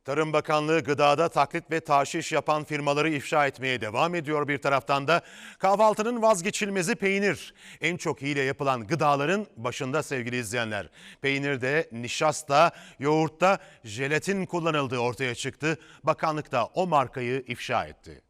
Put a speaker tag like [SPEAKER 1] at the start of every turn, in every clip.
[SPEAKER 1] Tarım Bakanlığı gıdada taklit ve taşiş yapan firmaları ifşa etmeye devam ediyor. Bir taraftan da kahvaltının vazgeçilmezi peynir. En çok hile yapılan gıdaların başında sevgili izleyenler. Peynirde, nişasta, yoğurtta jelatin kullanıldığı ortaya çıktı. Bakanlık da o markayı ifşa etti.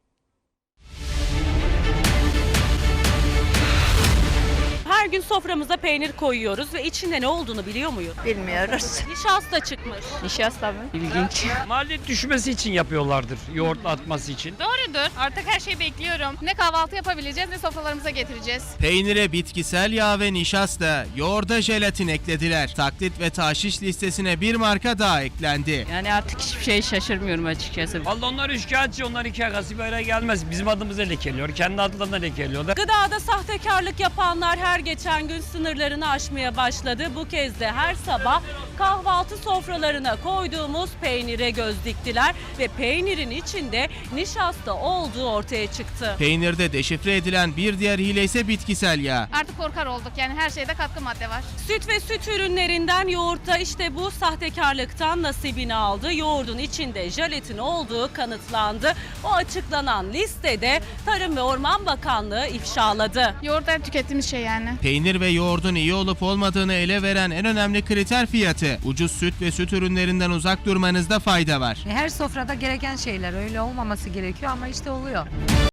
[SPEAKER 2] Her gün soframıza peynir koyuyoruz ve içinde ne olduğunu biliyor muyuz?
[SPEAKER 3] Bilmiyoruz.
[SPEAKER 2] Nişasta çıkmış.
[SPEAKER 3] Nişasta mı?
[SPEAKER 4] İlginç. Maliyet düşmesi için yapıyorlardır. Yoğurt atması için.
[SPEAKER 5] Doğrudur. Artık her şeyi bekliyorum. Ne kahvaltı yapabileceğiz ne sofralarımıza getireceğiz.
[SPEAKER 6] Peynire bitkisel yağ ve nişasta, yoğurda jelatin eklediler. Taklit ve taşiş listesine bir marka daha eklendi.
[SPEAKER 3] Yani artık hiçbir şey şaşırmıyorum açıkçası.
[SPEAKER 4] Vallahi onlar şikayetçi, onlar iki yakası bir araya gelmez. Bizim adımıza lekeliyor, kendi adlarına lekeliyorlar.
[SPEAKER 2] Gıdada sahtekarlık yapanlar her geçen gün sınırlarını aşmaya başladı. Bu kez de her sabah kahvaltı sofralarına koyduğumuz peynire göz diktiler ve peynirin içinde nişasta olduğu ortaya çıktı.
[SPEAKER 6] Peynirde deşifre edilen bir diğer hile ise bitkisel yağ.
[SPEAKER 5] Artık korkar olduk. Yani her şeyde katkı madde var.
[SPEAKER 2] Süt ve süt ürünlerinden yoğurtta işte bu sahtekarlıktan nasibini aldı. Yoğurdun içinde jelatin olduğu kanıtlandı. O açıklanan listede Tarım ve Orman Bakanlığı ifşaladı.
[SPEAKER 5] Yoğurt her tükettiğimiz şey yani.
[SPEAKER 6] Peynir ve yoğurdun iyi olup olmadığını ele veren en önemli kriter fiyatı. Ucuz süt ve süt ürünlerinden uzak durmanızda fayda var.
[SPEAKER 7] Her sofrada gereken şeyler, öyle olmaması gerekiyor ama işte oluyor.